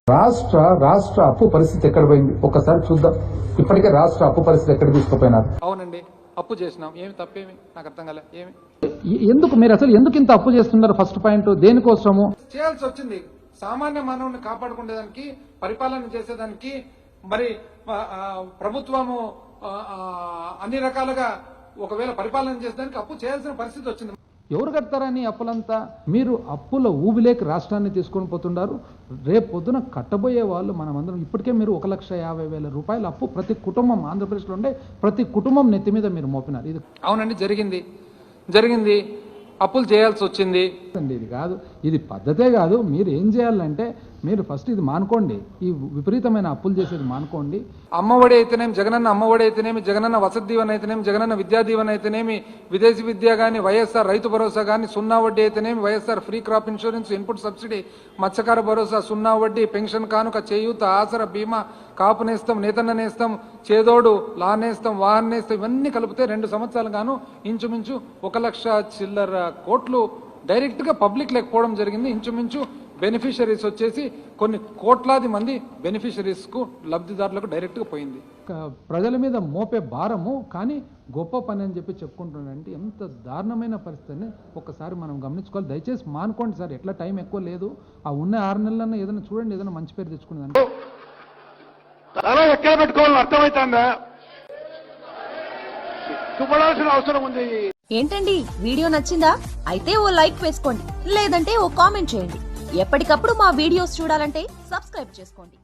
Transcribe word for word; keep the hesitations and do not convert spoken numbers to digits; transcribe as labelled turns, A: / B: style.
A: రాష్ట్ర రాష్ట్ర అప్పు పరిస్థితి ఎక్కడ పోయింది ఒకసారి చూద్దాం. ఇప్పటికే రాష్ట్ర అప్పు పరిస్థితి ఎక్కడ తీసుకుపోయినారు?
B: అవునండి, అప్పు చేసినాం. ఏమి తప్పేమి నాకు అర్థం కాలే. ఏమి
A: ఎందుకు మీరు అసలు ఎందుకు ఇంత అప్పు చేస్తున్నారు? ఫస్ట్ పాయింట్ దేనికోసము
B: చేయాల్సి వచ్చింది? సామాన్య మానవుని కాపాడుకునేదానికి, పరిపాలన చేసేదానికి. మరి ప్రభుత్వము అన్ని రకాలుగా ఒకవేళ పరిపాలన చేసేదానికి అప్పు చేయాల్సిన పరిస్థితి వచ్చింది.
A: ఎవరు కడతారని అప్పులంతా? మీరు అప్పుల ఊబిలేకి రాష్ట్రాన్ని తీసుకొని పోతున్నారు. రేపు పొద్దున కట్టబోయే వాళ్ళు మనమందరం. ఇప్పటికే మీరు ఒక లక్ష యాభై వేల రూపాయల అప్పు ప్రతి కుటుంబం ఆంధ్రప్రదేశ్లో ఉండే ప్రతి కుటుంబం నెత్తి మీద మీరు మోపినారు. ఇది
B: అవునండి, జరిగింది జరిగింది అప్పులు చేయాల్సి వచ్చింది.
A: ఇది కాదు, ఇది పద్ధతే కాదు. మీరు ఏం చేయాలంటే మీరు ఫస్ట్ ఇది మానుకోండి, ఈ విపరీతమైన అప్పులు చేసేది మానుకోండి.
B: అమ్మఒడి అయితేనేమి, జగనన్న అమ్మఒడి అయితేనేమి, జగనన్న వసతి దీవెన అయితేనేమి, జగనన్న విద్యా దీవెన అయితేనేమి, విదేశీ విద్య కానీ, వైఎస్ఆర్ రైతు భరోసా కానీ, సున్నా వడ్డీ అయితేనేమి, YSR free crop insurance, input subsidy, మత్స్యకార భరోసా, సున్నా వడ్డీ, పెన్షన్ కానుక, చేయూత, ఆసర, బీమా, కాపు నేస్తం, నేతన్న నేస్తం, చేదోడు, లా నేస్తం, వాహన నేస్తం, ఇవన్నీ కలిపితే రెండు సంవత్సరాలు గాను ఇంచుమించు ఒక లక్ష చిల్లర కోట్లు డైరెక్ట్ గా పబ్లిక్ లేకపోవడం జరిగింది. ఇంచుమించు బెనిఫిషరీస్ వచ్చేసి కొన్ని కోట్లాది మంది బెనిఫిషరీస్ కు, లబ్ధిదారులకు డైరెక్ట్ గా పోయింది.
A: ప్రజల మీద మోపే భారము కానీ గొప్ప పని అని చెప్పి చెప్పుకుంటున్నారంటే ఎంత దారుణమైన పరిస్థితిని ఒక్కసారి మనం గమనించుకోవాలి. దయచేసి మానుకోండి సార్, ఎట్లా టైం ఎక్కువ లేదు. ఆ ఉన్న ఆరు నెలలన్నా ఏదైనా చూడండి, ఏదైనా మంచి పేరు తెచ్చుకునేదాన్ని.
C: ఎక్కడ పెట్టుకోవాలని అర్థమవుతుందా? చూడాల్సిన అవసరం ఉంది.
D: ఏంటండి, వీడియో నచ్చిందా? అయితే ఓ లైక్ వేసుకోండి, లేదంటే ఓ కామెంట్ చేయండి. ఎప్పటికప్పుడు మా వీడియోస్ చూడాలంటే సబ్స్క్రైబ్ చేసుకోండి.